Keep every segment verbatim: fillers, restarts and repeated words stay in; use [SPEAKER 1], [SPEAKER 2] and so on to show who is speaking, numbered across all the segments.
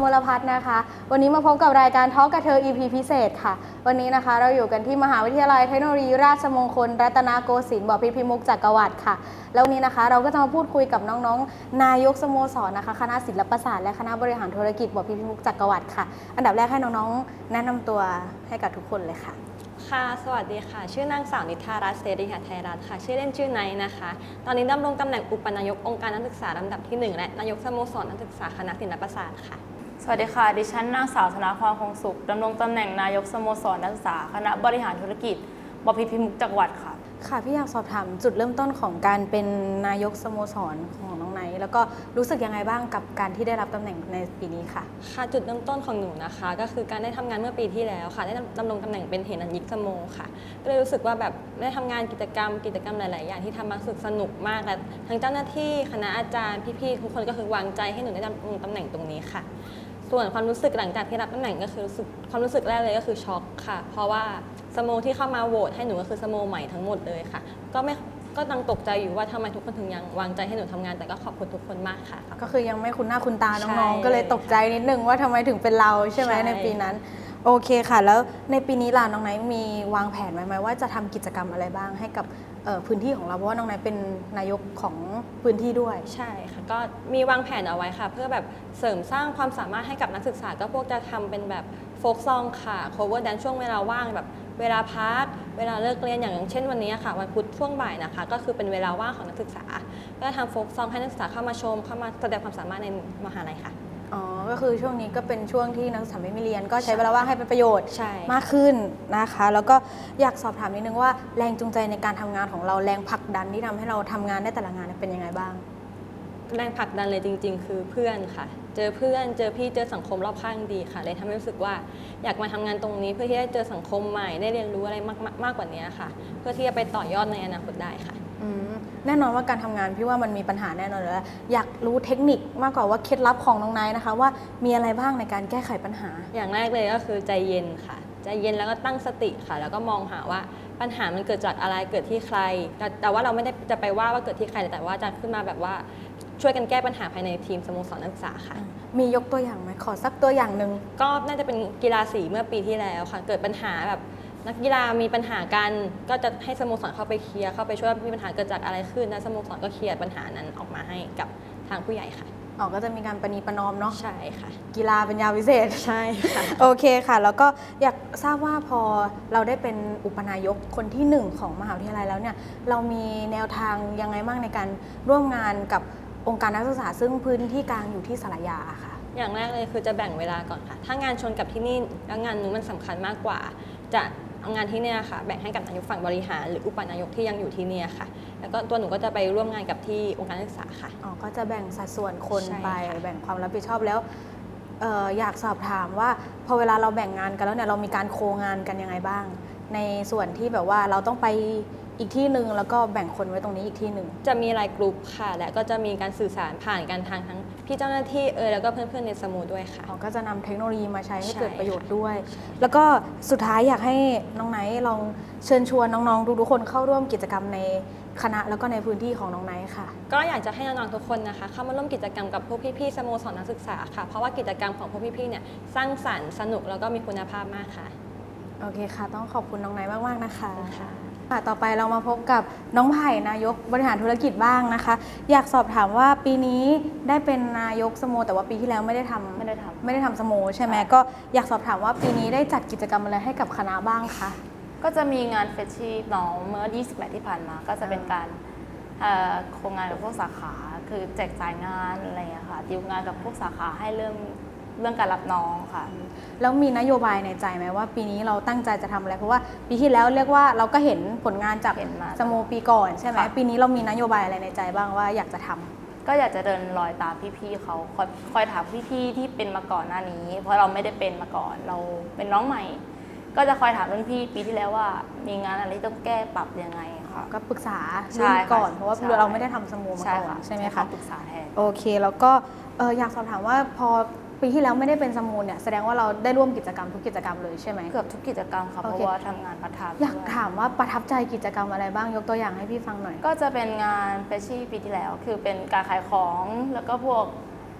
[SPEAKER 1] ลพัฒน์นะคะวันนี้มาพบกับรายการทอล์กกับเธอ อี พี พิเศษค่ะวันนี้นะคะเราอยู่กันที่มหาวิทยาลัยเทคโนโลยีราชมงคลรัตนโกสินทร์บพิตรพิมุกจักรวรรดิค่ะแล้ววันนี้นะคะเราก็จะมาพูดคุยกับน้องๆนายกสโมสรนะคะคณะศิลปศาสตร์และคณะบริหารธุรกิจบพิตรพิมุกจักรวรรดิค่ะอันดับแรกให้น้องๆแนะนำตัวให้กับทุกคนเลยค่ะ
[SPEAKER 2] ค่ะสวัสดีค่ะชื่อนางสาวนิธารัตน์เสรีหไทยรัตน์ค่ะชื่อเล่นชื่อไนท์นะคะตอนนี้ดำรงตำแหน่งอุปนายกองค์การนักศึกษาลำดับที่หนึ่งและนายกสโมสรนักศึกษาคณะศิลปศาสตร์ค่ะ
[SPEAKER 3] สวัสดีค่ะดิฉันนางสาวธนาพรคงสุขดำรงตำแหน่งนายกสโมสรนักศึกษาคณะบริหารธุรกิจบพิตรพิมุกจักรวรรดิค่ะ
[SPEAKER 1] ค่ะพี่อยากสอบถามจุดเริ่มต้นของการเป็นนายกสโมสรของน้องไนท์แล้วก็รู้สึกยังไงบ้างกับการที่ได้รับตำแหน่งในปีนี้ค่ะ
[SPEAKER 2] ค่ะจุดเริ่มต้นของหนูนะคะก็คือการได้ทำงานเมื่อปีที่แล้วค่ะได้ดำรงตำแหน่งเป็นเหรัญญิกสโมค่ะก็เลยรู้สึกว่าแบบได้ทำงานกิจกรรมกิจกรรมหลายๆอย่างที่ทำมาสึกสนุกมากและทั้งเจ้าหน้าที่คณะอาจารย์พี่ๆทุกคนก็คือวางใจให้หนูได้ดำรงตำแหน่งตรงนี้ค่ะส่วนความรู้สึกหลังจากที่รับตำแหน่งก็คือรู้สึกความรู้สึกแรกเลยก็คือช็อกค่ะเพราะว่าสโมที่เข้ามาโหวตให้หนูก็คือสโมใหม่ทั้งหมดเลยค่ะก็ไม่ก็ยังตกใจอยู่ว่าทำไมทุกคนถึงยังวางใจให้หนูทำงานแต่ก็ขอบคุณทุกคนมากค่ะ
[SPEAKER 1] ก็คือยังไม่คุ้นหน้าคุ้นตาน้องๆก็เลยตกใจนิดนึงว่าทำไมถึงเป็นเราใช่ไหมในปีนั้นโอเคค่ะแล้วในปีนี้ล่ะน้องไนท์มีวางแผนไว้ไหมว่าจะทำกิจกรรมอะไรบ้างให้กับพื้นที่ของเราเพราะว่าน้องไนท์เป็นนายกของพื้นที่ด้วย
[SPEAKER 2] ใช่ค่ะก็มีวางแผนเอาไว้ค่ะเพื่อแบบเสริมสร้างความสามารถให้กับนักศึกษาก็พวกจะทำเป็นแบบโฟกซองค่ะ cover dance ช่วงเวลาว่างแบบเวลาพักเวลาเลิกเรียนอย่างเช่นวันนี้ค่ะวันพุธช่วงบ่ายนะคะก็คือเป็นเวลาว่างของนักศึกษาก็ทำโฟกซองให้นักศึกษาเข้ามาชมเข้ามาแสดงความสามารถในมหาลัยค่ะ
[SPEAKER 1] อ๋อก็คือช่วงนี้ก็เป็นช่วงที่นักศึกษาไม่มีเรียนก็ใช้เวลาว่างให้เป็นประโยชน์มากขึ้นนะคะแล้วก็อยากสอบถามนิดนึงว่าแรงจูงใจในการทำงานของเราแรงผลักดันที่ทำให้เราทำงานได้แต่ละงานเป็นยังไงบ้าง
[SPEAKER 2] แรงผลักดันเลยจริงๆคือเพื่อนค่ะเจอเพื่อนเจอพี่เจอสังคมรอบข้างดีค่ะเลยทำให้รู้สึกว่าอยากมาทำงานตรงนี้เพื่อที่จะเจอสังคมใหม่ได้เรียนรู้อะไรมากมากกว่านี้ค่ะเพื่อที่จะไปต่อยอดในอนาคตได้ค่ะ
[SPEAKER 1] แน่นอนว่าการทำงานพี่ว่ามันมีปัญหาแน่นอนแล้วอยากรู้เทคนิคมากกว่าว่าเคล็ดลับของน้องไนท์นะคะว่ามีอะไรบ้างในการแก้ไขปัญหา
[SPEAKER 2] อย่างแรกเลยก็คือใจเย็นค่ะใจเย็นแล้วก็ตั้งสติค่ะแล้วก็มองหาว่าปัญหามันเกิดจากอะไรเกิดที่ใครแต่แต่ว่าเราไม่ได้จะไปว่าว่าเกิดที่ใครแต่ว่าจะขึ้นมาแบบว่าช่วยกันแก้ปัญหาภายในทีมสโมสรนักศึกษาค่ะ
[SPEAKER 1] มียกตัวอย่างไหมขอสักตัวอย่างหนึ่ง
[SPEAKER 2] ก็น่าจะเป็นกีฬาสีเมื่อปีที่แล้วค่ะเกิดปัญหาแบบนักกีฬามีปัญหากันก็จะให้สโมสรเข้าไปเคลียร์เข้าไปช่วยมีปัญหาเกิดจากอะไรขึ้นและสโมสรก็เคลียร์ปัญหานั้นออกมาให้กับทางผู้ใหญ่ค่ะ
[SPEAKER 1] อ๋อก็จะมีการประนีประนอมเนาะ
[SPEAKER 2] ใช่ค่ะ
[SPEAKER 1] กีฬาเป็นยาวิเศษ
[SPEAKER 2] ใช่ค่ะ
[SPEAKER 1] โอเคค่ะแล้วก็อยากทราบว่าพอเราได้เป็นอุปนายกคนที่หนึ่งของมหาวิทยาลัยแล้วเนี่ยเรามีแนวทางยังไงบ้างในการร่วมงานกับองค์การนักศึกษาซึ่งพื้นที่กลางอยู่ที่สระยาค่ะ
[SPEAKER 2] อย่างแรกเลยคือจะแบ่งเวลาก่อนค่ะถ้างานชนกับที่นี่แล้วงานนู้นมันสำคัญมากกว่าจะเอางานที่เนี่ยค่ะแบ่งให้กับนายกฝั่งบริหารหรืออุปนายกที่ยังอยู่ที่เนี่ยค่ะแล้วก็ตัวหนูก็จะไปร่วมงานกับที่องค์การนักศึกษาค่ะ
[SPEAKER 1] อ๋อก็จะแบ่งสัดส่วนคนไปแบ่งความรับผิดชอบแล้วเอ่ออยากสอบถามว่าพอเวลาเราแบ่งงานกันแล้วเนี่ยเรามีการโคงานกันยังไงบ้างในส่วนที่แบบว่าเราต้องไปอีกที่หนึ่งแล้วก็แบ่งคนไว้ตรงนี้อีกที่หนึ่ง
[SPEAKER 2] จะมีไลน์กลุ่มค่ะและก็จะมีการสื่อสารผ่านกันทางทั้งพี่เจ้าหน้าที่เออแล้วก็เพื่อนๆในสโมด้วยค่ะ
[SPEAKER 1] อ๋อก็จะนำเทคโนโลยีมาใช้ให้เกิดประโยชน์ด้วยแล้วก็สุดท้ายอยากให้น้องไนท์ลองเชิญชวนน้องๆทุกๆคนเข้าร่วมกิจกรรมในคณะแล้วก็ในพื้นที่ของน้องไนท์ค่ะ
[SPEAKER 2] ก็อยากจะให้น้องๆทุกคนนะคะเข้ามาร่วมกิจกรรมกับพวกพี่ๆสโมสรนักศึกษาค่ะเพราะว่ากิจกรรมของพวกพี่ๆเนี่ยสร้างสรรค์สนุกแล้วก็มีคุณภาพมากค่ะ
[SPEAKER 1] โอเคค่ะต้องขอบคุณน้องไนท์มากๆนะคะค่ะต่อไปเรามาพบกับน้องไผ่นายกบริหารธุรกิจบ้างนะคะอยากสอบถามว่าปีนี้ได้เป็นนายกสโมแต่ว่าปีที่แล้วไม่ได้ทำ
[SPEAKER 3] ไม่ได้ทำ
[SPEAKER 1] ไม่ได้ทำสโมใช่ไหมก็อยากสอบถามว่าปีนี้ได้จัดกิจกรรมอะไรให้กับคณะบ้างคะ
[SPEAKER 3] ก็จะมีงานเฟชชี่น้องเมื่อยี่สิบแปดที่ผ่านมาก็จะเป็นการโครงงานกับพวกสาขาคือแจกจ่ายงานอะไรอย่างเงี้ยค่ะดีลงานกับพวกสาขาให้เรื่องเรื่องการรับน้องค่ะ
[SPEAKER 1] แล้วมีนโยบายในใจไหมว่าปีนี้เราตั้งใจจะทำอะไรเพราะว่าปีที่แล้วเรียกว่าเราก็เห็นผลงานจากสโมปีก่อนใช่ไหมปีนี้เรามีนโยบายอะไรในใจบ้างว่าอยากจะทำ
[SPEAKER 3] ก็อยากจะเดินรอยตามพี่ๆเขาคอยคอยถามพี่ๆที่เป็นมาก่อนหน้านี้เพราะเราไม่ได้เป็นมาก่อนเราเป็นน้องใหม่ก็จะคอยถามรุ่นพี่ปีที่แล้วว่ามีงานอะไรต้องแก้ปรับยังไงค่ะ
[SPEAKER 1] ก็ปรึกษารุ่นก่อนเพราะว่าเราไม่ได้ทำสโมมาก่อนใช่ไหมคะ
[SPEAKER 3] ปรึกษาแทน
[SPEAKER 1] โอเคแล้วก็อยากสอบถามว่าพอ ปีที่แล้วไม่ได้เป็นสมูนเนี่ยแสดงว่าเราได้ร่วมกิจกรรมทุกกิจกรรมเลยใช่ไหม
[SPEAKER 3] เกือบทุกกิจกรรมค่ะเพราะว่าทำงานพาร์ทไทม์
[SPEAKER 1] อยากถามว่าประทับใจกิจกรรมอะไรบ้างยกตัวอย่างให้พี่ฟังหน่อย
[SPEAKER 3] ก็จะเป็นงานเฟชชี่ปีที่แล้วคือเป็นการขายของแล้วก็พวก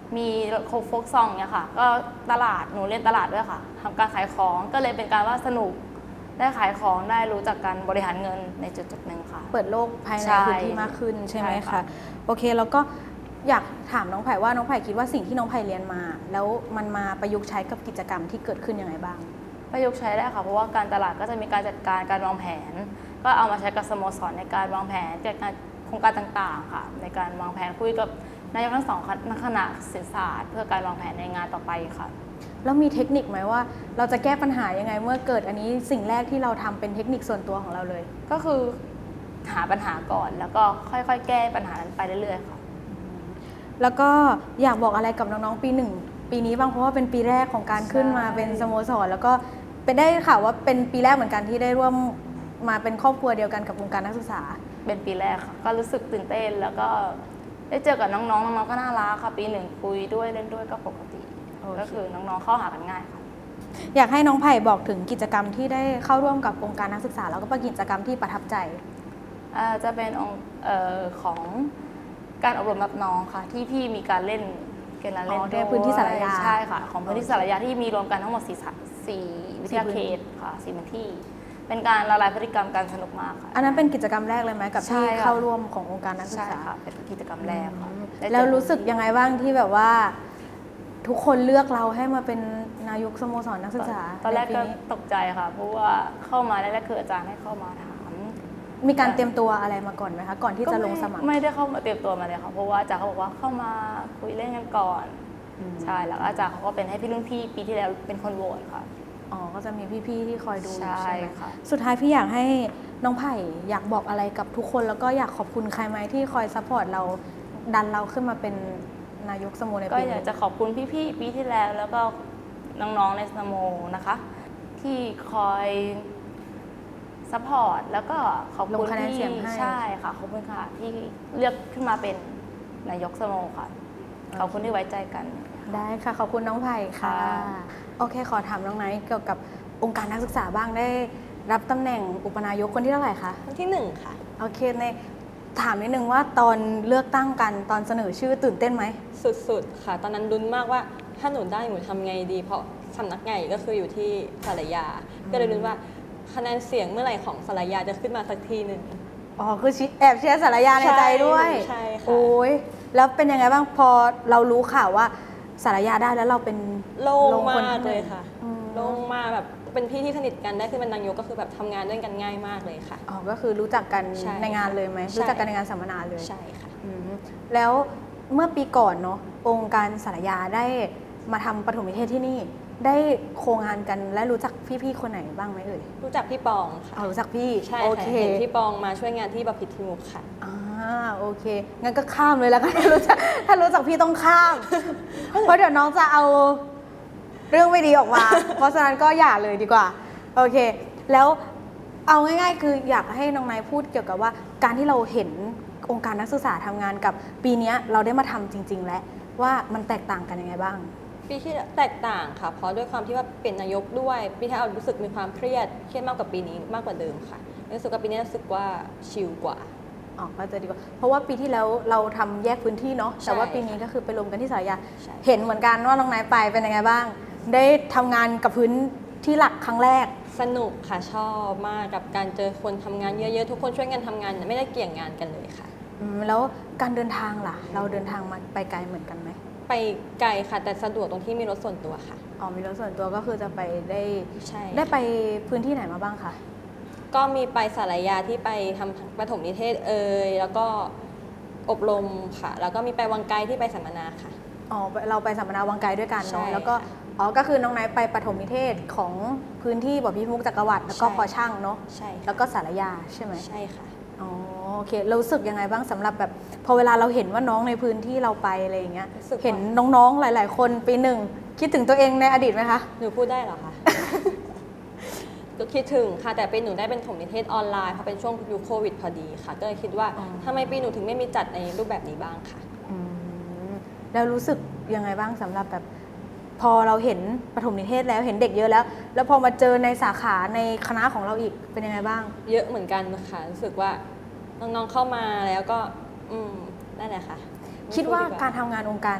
[SPEAKER 3] มีโคโฟกซองเนี่ยค่ะ ก็ตลาดหนูเรียนตลาดด้วยค่ะทำการขายของก็เลยเป็นการว่าสนุกได้ขายของได้รู้จักการบริหารเงินในจุดจุดหนึ่งค่ะ
[SPEAKER 1] เปิดโลกภายใน
[SPEAKER 3] ใช่
[SPEAKER 1] พื้นที่มากขึ้นใช่ไหม
[SPEAKER 3] ใช่
[SPEAKER 1] คะ
[SPEAKER 3] ค่ะ
[SPEAKER 1] โอเคแล้วก็อยากถามน้องไผ่ว่าน้องไผ่คิดว่าสิ่งที่น้องไผ่เรียนมา แล้วมันมาประยุกต์ใช้กับกิจกรรมที่เกิดขึ้นยังไงบ้าง
[SPEAKER 3] ประยุกต์ใช้ได้ค่ะเพราะว่าการตลาดก็จะมีการจัดการการวางแผน ก็เอามาใช้กับสโมสรในการวางแผนจัดการโครงการต่างๆค่ะ ในการวางแผนคุยกับนายกทั้งสองคณะเศรษฐศาสตร์เพื่อการวางแผนในงานต่อไปค่ะ
[SPEAKER 1] แล้วมีเทคนิคไหมว่าเราจะแก้ปัญหายังไงเมื่อเกิดอันนี้สิ่งแรกที่เราทำเป็นเทคนิคส่วนตัวของเราเลย
[SPEAKER 3] ก็คือหาปัญหาก่อนแล้วก็ค่อยๆ แก้ปัญหานั้นไปเรื่อยๆค่ะ
[SPEAKER 1] แล้วก็อยากบอกอะไรกับน้องๆปีหนึ่งปีนี้บ้างเพราะว่าเป็นปีแรกของการขึ้นมา
[SPEAKER 3] ใช่
[SPEAKER 1] เป็นสโมสรแล้วก็เป็นได้ข่าวว่าเป็นปีแรกเหมือนกันที่ได้ร่วมมาเป็นครอบครัวเดียวกันกับวงการนักศึกษา
[SPEAKER 3] เป็นปีแรกค่ะก็รู้สึกตื่นเต้นแล้วก็ได้เจอกับน้องๆน้องๆก็น่ารักค่ะปีหนึ่งคุยด้วยเล่นด้วยก็ปกติ
[SPEAKER 1] โอเค
[SPEAKER 3] ก็คือน้องๆเข้าหากันง่ายค่ะ
[SPEAKER 1] อยากให้น้องไผ่บอกถึงกิจกรรมที่ได้เข้าร่วมกับองค์การนักศึกษาแล้วก็เป็นกิจกรรมที่ประทับใจ
[SPEAKER 3] อ่าจะเป็นองค์เอ่อของการอบรมรับน้องค่ะ ที่พี่มีการเล่นเกมการเล่น
[SPEAKER 1] อ๋อ
[SPEAKER 3] ด้วย
[SPEAKER 1] ในพื้นที่สารยา
[SPEAKER 3] ใช่ค่ะ ของพื้นที่สารยาที่มีรวมกันทั้งหมดสี่สาสี่วิทยา
[SPEAKER 1] สี่พื้น
[SPEAKER 3] เขตค่ะสี่พื้นที่ เป็นการละลายพฤติกรรมการสนุกมากค่ะ
[SPEAKER 1] อันนั้นเป็นกิจกรรมแรกเลยไหมกับ
[SPEAKER 3] ใช่
[SPEAKER 1] ที่
[SPEAKER 3] ค่ะ
[SPEAKER 1] เข้าร่วมขององค์การนักศึก
[SPEAKER 3] ใช่
[SPEAKER 1] ษา
[SPEAKER 3] ค่ะเป็นกิจกรรมแรกค่ะได้เจอ
[SPEAKER 1] แล้วรู้สึกยังไงบ้างที่แบบว่า ทุกคนเลือกเราให้มาเป็นนายกสโมสรนักศึกษา
[SPEAKER 3] ตอนแรก
[SPEAKER 1] ในปี
[SPEAKER 3] ก็
[SPEAKER 1] นี้
[SPEAKER 3] ตกใจค่ะ เพราะว่าเข้ามาแรกๆคืออาจารย์ให้เข้ามาถาม
[SPEAKER 1] มีการเตรียมตัวอะไรมาก่อนไหมคะก่อนที่จะลงสมัคร
[SPEAKER 3] ไไม่ได้เข้ามาเตรียมตัวมาเลยค่ะเพราะว่าอาจารย์เขาบอกว่าเข้ามาคุยเล่นกันก่อน
[SPEAKER 1] อืม
[SPEAKER 3] ใช่แล้วอาจารย์เขาก็เป็นให้พี่รุ่นพี่ปีที่แล้วเป็นคนโหวตค่ะ
[SPEAKER 1] อ๋อก็จะมีพี่ๆที่คอยดู
[SPEAKER 3] ใช่
[SPEAKER 1] ใช่ไหม
[SPEAKER 3] ค่ะ
[SPEAKER 1] สุดท้ายพี่อยากให้น้องไผ่อยากบอกอะไรกับทุกคนแล้วก็อยากขอบคุณใครไหมที่คอยซัพพอร์ตเราดันเราขึ้นมาเป็นนายกสโมใน
[SPEAKER 3] ก็
[SPEAKER 1] ปี
[SPEAKER 3] อยาก
[SPEAKER 1] นี้
[SPEAKER 3] จะขอบคุณพี่ๆปีที่แล้วแล้วก็น้องๆในสโมนะคะ ที่คอยซัพพอร์ตแล้วก็ขอบ
[SPEAKER 1] ลง
[SPEAKER 3] คุณ
[SPEAKER 1] คะแนน
[SPEAKER 3] ที่
[SPEAKER 1] เสียงให้
[SPEAKER 3] ใช่ค่ะขอบคุณค่ะที่เลือกขึ้นมาเป็นนายกสโมค่ะขอบคุณที่ไว้ใจกัน
[SPEAKER 1] ได้ค่ะขอบคุณน้องไผ่ค่ะ
[SPEAKER 3] ค่ะ
[SPEAKER 1] โอเคขอถามน้องไนท์เกี่ยวกับองค์การนักศึกษาบ้างได้รับตำแหน่งอุปนายกคนที่เท่าไหร่คะ
[SPEAKER 2] คนที่หนึ่งค่ะ
[SPEAKER 1] โอเคในถามนิดนึงว่าตอนเลือกตั้งกันตอนเสนอชื่อตื่นเต้นไหม
[SPEAKER 2] สุดๆค่ะ ตอนนั้นลุ้นมากว่าถ้าหนูได้หนูทำไงดี เพราะสำนักใหญ่ก็คืออยู่ที่สารยา ก็เลยลุ้นว่าคะแนนเสียงเมื่อไหร่ของสารยาจะขึ้นมาสักทีหนึ่ง
[SPEAKER 1] อ๋อคือชิแอบเชียร์สารยาในใจด้วย
[SPEAKER 2] ใช่ค่ะ
[SPEAKER 1] โอ้ยแล้วเป็นยังไงบ้างพอเรารู้ข่าวว่าสารยาได้แล้วเราเป็น
[SPEAKER 2] โล่ง
[SPEAKER 1] คน
[SPEAKER 2] มาก
[SPEAKER 1] ที่
[SPEAKER 2] เลยค่ะ
[SPEAKER 1] อืม
[SPEAKER 2] โล่งมากแบบเป็นพี่ที่สนิทกันได้ขึ้นเป็นนายกก็คือแบบทำงานด้วยกันง่ายมากเลยค่ะ
[SPEAKER 1] อ๋อก็คือรู้จักกัน
[SPEAKER 2] ใช่
[SPEAKER 1] ในงานเลยไหม
[SPEAKER 2] ใช่
[SPEAKER 1] รู้จักกันในงานสัมมนาเลย
[SPEAKER 2] ใช่ค่ะ
[SPEAKER 1] อืมแล้วเมื่อปีก่อนเนาะองค์การสารยาได้มาทำปฐมนิเทศที่นี่ ได้โครงงานกันและรู้จักพี่ๆคนไหนบ้างไหมเอ่ย
[SPEAKER 2] รู้จักพี่ปองค่ะ
[SPEAKER 1] อ๋อรู้จักพี่
[SPEAKER 2] ใช่
[SPEAKER 1] โอ
[SPEAKER 2] ค่ะ
[SPEAKER 1] เค
[SPEAKER 2] เห็นพี่ปองมาช่วยงานที่บพิตรทิมุกค่ะ
[SPEAKER 1] อ่าโอเคงั้นก็ข้ามเลยแล้วกัน ถ้ารู้จักถ้ารู้จักพี่ต้องข้าม เพราะเดี๋ยวน้องจะเอาเรื่องไม่ดีออกมา เพราะฉะนั้นก็อย่าเลยดีกว่าโอเค แล้วเอาง่ายๆ คืออยากให้น้องนายพูดเกี่ยวกับว่าการที่เราเห็นองค์การนักศึกษาทำงานกับปีเนี้ยเราได้มาทำจริง ๆ แล้วว่ามันแตกต่างกันยังไงบ้าง
[SPEAKER 2] ปีที่แตกต่างค่ะ เพราะด้วยความที่ว่าเป็นนายกด้วยปีที่เรารู้สึกมีความเครียดเครียดมากกว่าปีนี้มากกว่าเดิมค่ะรู้สึกว่าปีนี้รู้สึกว่าชิลกว่า
[SPEAKER 1] อ๋อก็จะดีกว่า เพราะว่าปีที่แล้วเราทำแยกพื้นที่เนาะ
[SPEAKER 2] ใช่
[SPEAKER 1] แต่ว่าปีนี้ก็คือไปรวมกันที่สารยา
[SPEAKER 2] ใช่
[SPEAKER 1] เห็นเหมือนกันว่าน้องนายไปเป็นยังไงบ้าง ได้ทำงานกับพื้นที่หลักครั้งแรก
[SPEAKER 2] สนุกค่ะชอบมากกับการเจอคนทำงานเยอะๆทุกคนช่วยกันทำงานไม่ได้เกี่ยงงานกันเลยค่ะ
[SPEAKER 1] อืมแล้วการเดินทางล่ะ เราเดินทางมาไปไกลเหมือนกันไหม
[SPEAKER 2] ไปไกลค่ะ แต่สะดวกตรงที่มีรถส่วนตัวค่ะ
[SPEAKER 1] อ๋อมีรถส่วนตัวก็คือจะไปได้
[SPEAKER 2] ใช่
[SPEAKER 1] ได้ไปพื้นที่ไหนมาบ้างคะ
[SPEAKER 2] ก็มีไปสารยาที่ไปทำปฐมนิเทศเอ่ยแล้วก็อบรมค่ะ แล้วก็มีไปวังไกลที่ไปสัมมนาค่ะ
[SPEAKER 1] อ๋อเราไปสัมมนาวังไกลด้วยกัน
[SPEAKER 2] ใช่
[SPEAKER 1] เนาะแล้วก็
[SPEAKER 2] ค่ะ
[SPEAKER 1] อ๋อก็คือน้องนายไปปฐมนิเทศของพื้นที่บ่อพิมุกจักรวรรดิแล้วก็
[SPEAKER 2] ใช่
[SPEAKER 1] พอช่างเนาะ
[SPEAKER 2] ใช่ค่ะ
[SPEAKER 1] แล้วก็สารยาใช่ไหม
[SPEAKER 2] ใช่ค่ะ
[SPEAKER 1] อ๋อโอเคเรารู้สึกยังไงบ้างสำหรับแบบพอเวลาเราเห็นว่าน้องในพื้นที่เราไปอะไรอย่างเงี้ย
[SPEAKER 2] รู้สึกว่า
[SPEAKER 1] เห็นน้องๆหลาย ๆ คนปีหนึ่งคิดถึงตัวเองในอดีตไหมคะ
[SPEAKER 2] หนูพูดได้เหรอคะ ก็คิดถึงค่ะแต่ปีหนูได้เป็นถมนิเทศออนไลน์เพราะเป็นช่วงยุคโควิดพอดีค่ะ ก็เลยคิดว่า
[SPEAKER 1] อ๋อ
[SPEAKER 2] ทำไมปีหนูถึงไม่มีจัดในรูปแบบนี้บ้างค่ะ
[SPEAKER 1] อืมแล้วรู้สึกยังไงบ้างสำหรับแบบ พอเราเห็นปฐมนิเทศแล้วเห็นเด็กเยอะแล้ว แล้วพอมาเจอในสาขาในคณะของเราอีกเป็นยังไงบ้าง
[SPEAKER 2] เยอะเหมือนกันค่ะรู้สึกว่าน้องๆเข้ามาแล้วก็ อืมนั่นแหละค่ะ
[SPEAKER 1] คิดว่า
[SPEAKER 2] ไม่พู
[SPEAKER 1] การทำงานองค์การ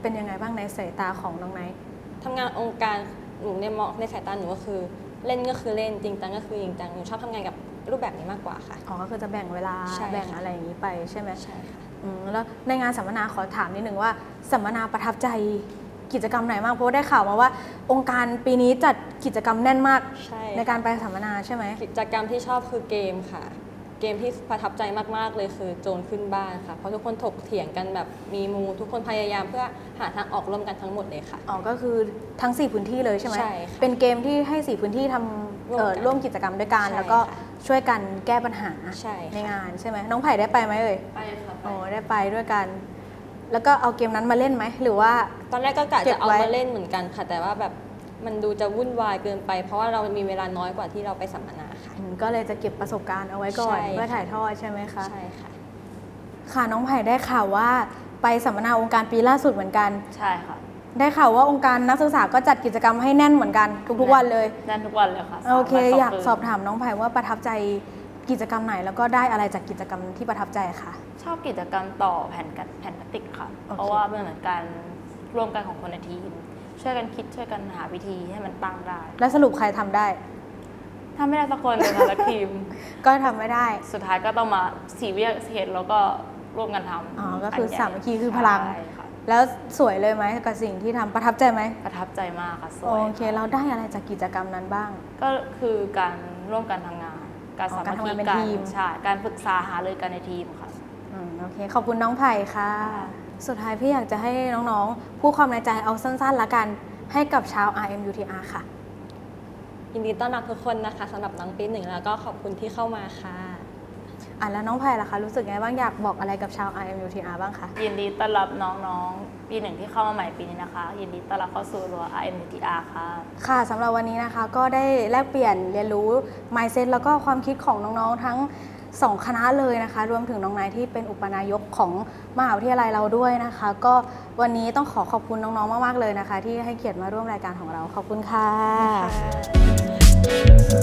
[SPEAKER 1] เป็นยังไงบ้างในสายตาของน้องไนท์
[SPEAKER 2] ทำงานองค์การหนูในมองในสายตาหนูก็คือเล่นก็คือเล่นจริงจังก็คือจริงจังหนูชอบทำงานกับรูปแบบนี้มากกว่าค่ะ
[SPEAKER 1] อ๋อก็คือจะแบ่งเวลา
[SPEAKER 2] ใช่ค่ะ
[SPEAKER 1] แบ่งอะไรอย่างนี้ไปใช่ไหม
[SPEAKER 2] ใช่ค่ะ
[SPEAKER 1] อืมแล้วในงานสัมมนาขอถามนิดนึงว่าสัมมนาประทับใจกิจกรรมไหนมากเพราะว่าได้ข่าวมาว่า องค์การปีนี้จัดกิจกรรมแน่นมาก
[SPEAKER 2] ใช่
[SPEAKER 1] ในการไปสัมมนาใช่ไหม
[SPEAKER 2] กิจกรรมที่ชอบคือเกมค่ะ เกมที่ประทับใจมากๆเลยคือโจรขึ้นบ้านค่ะเพราะทุกคนถกเถียงกันแบบมีมูทุกคนพยายามเพื่อหาทางออกร่วมกันทั้งหมดเลยค่ะ
[SPEAKER 1] อ๋อก็คือทั้งสี่พื้นที่เลยใช่ไหม
[SPEAKER 2] ใช่ค่ะ
[SPEAKER 1] เป็นเกมที่ให้สี่พื้นที่ทำเอ่อ
[SPEAKER 2] ร่
[SPEAKER 1] ร่ว
[SPEAKER 2] ว
[SPEAKER 1] ม
[SPEAKER 2] มกัน
[SPEAKER 1] กิจกรรมด้วยกัน
[SPEAKER 2] ใช่
[SPEAKER 1] แล้วก็
[SPEAKER 2] ค่ะ
[SPEAKER 1] ช่วยกันแก้ปัญหา
[SPEAKER 2] ใช่ค่ะ
[SPEAKER 1] งานใช่ไหมน้องไผ่ได้ไปไหมเอ่ย
[SPEAKER 3] ไปค่ะ
[SPEAKER 1] โอ้ได้ไปด้วยกัน แล้วก็เอาเกมนั้นมาเล่นไหมหรือว่า
[SPEAKER 2] ตอนแรกก็กะ
[SPEAKER 1] เก็บ
[SPEAKER 2] จะเอา
[SPEAKER 1] ไว้
[SPEAKER 2] มาเล่นเหมือนกันค่ะ แต่ว่าแบบมันดูจะวุ่นวายเกินไป เพราะว่าเรามีเวลาน้อยกว่าที่เราไปสัมมนาค่ะ
[SPEAKER 1] อืมก็เลยจะเก็บประสบการณ์เอาไว้ก่อน
[SPEAKER 2] ใช่
[SPEAKER 1] เพื่อถ่ายทอดใช่ไหมคะ
[SPEAKER 2] ใช่ค่ะ
[SPEAKER 1] ค่ะน้องไผ่ได้ข่าวว่าไปสัมมนาองค์การปีล่าสุดเหมือนกัน
[SPEAKER 3] ใช่ค่ะ
[SPEAKER 1] ได้ข่าวว่าองค์การนักศึกษาก็จัดกิจกรรมให้แน่นเหมือนกันทุกๆวันเลย
[SPEAKER 3] แน่นทุกวันเลยค่ะ
[SPEAKER 1] โอเค
[SPEAKER 3] สมวัน
[SPEAKER 1] อยาก
[SPEAKER 3] คืน
[SPEAKER 1] สอบถามน้องไผ่ว่าประทับใจกิจกรรมไหนแล้วก็ได้อะไรจากกิจกรรมที่ประทับใจคะ
[SPEAKER 3] ชอบกิจกรรมต่อแผ่นกันแผ่นพลาสติกค่ะ
[SPEAKER 1] โอเค
[SPEAKER 3] เพราะว่ามันเหมือนการร่วมกันของคนในทีม ช่วยกันคิดช่วยกันหาวิธีให้มันตั้งได้
[SPEAKER 1] แล้วสรุปใครทำได้
[SPEAKER 3] ถ้าไม่ได้สักคนเลยค่ะและทีม
[SPEAKER 1] ก็ทำไม่ได้
[SPEAKER 3] สุดท้ายก็ต้องมาสีวิเหตุแล้วก็ร่วมกันทำ
[SPEAKER 1] อ๋อก็คือ
[SPEAKER 3] ใหญ่
[SPEAKER 1] สามัคคีคือพลัง
[SPEAKER 3] ใช่ค่ะ
[SPEAKER 1] แล้วสวยเลยไหมกับสิ่งที่ทำประทับใจไหม
[SPEAKER 3] ประทับใจมากค่ะสวย
[SPEAKER 1] โอเคเราได้อะไรจากกิจกรรมนั้นบ้าง
[SPEAKER 3] ก็คือการร่วมกันทำงาน การ
[SPEAKER 1] อ๋อ
[SPEAKER 3] สามัค
[SPEAKER 1] การทำ
[SPEAKER 3] คี
[SPEAKER 1] งานเป็น
[SPEAKER 3] กัน
[SPEAKER 1] ทีม
[SPEAKER 3] ใช่การปรึกษาหารือกันในทีมค่ะ
[SPEAKER 1] อืมโอเคขอบคุณน้องไผ่ค่ะ สุดท้ายพี่อยากจะให้น้องๆพูดความในใจเอาสั้นๆละกันให้กับชาว อาร์ เอ็ม ยู ที อาร์ ค่ะ
[SPEAKER 2] ยินดีต้อนรับทุกคนนะคะสำหรับน้องปีหนึ่งแล้วก็ขอบคุณที่เข้ามาค่ะ
[SPEAKER 1] อ่ะแล้วน้องไผ่ล่ะคะรู้สึกไงบ้างอยากบอกอะไรกับชาว อาร์ เอ็ม ยู ที อาร์ บ้างคะ
[SPEAKER 3] ยินดีต้อนรับน้องๆ ปีหนึ่งที่เข้ามาใหม่ปีนี้นะคะ ยินดีต้อนรับเข้าสู่รั้ว อาร์ เอ็ม ยู ที อาร์ ค่ะ
[SPEAKER 1] ค่ะสำหรับวันนี้นะคะก็ได้แลกเปลี่ยนเรียนรู้ mindset แล้วก็ความคิดของน้องๆทั้งสองคณะเลยนะคะ รวมถึงน้องนายที่เป็นอุปนายกของมหาวิทยาลัยเราด้วยนะคะ ก็วันนี้ต้องขอขอบคุณน้องๆมากๆเลยนะคะ ที่ให้เกียรติมาร่วมรายการของเราขอบคุณค่ะ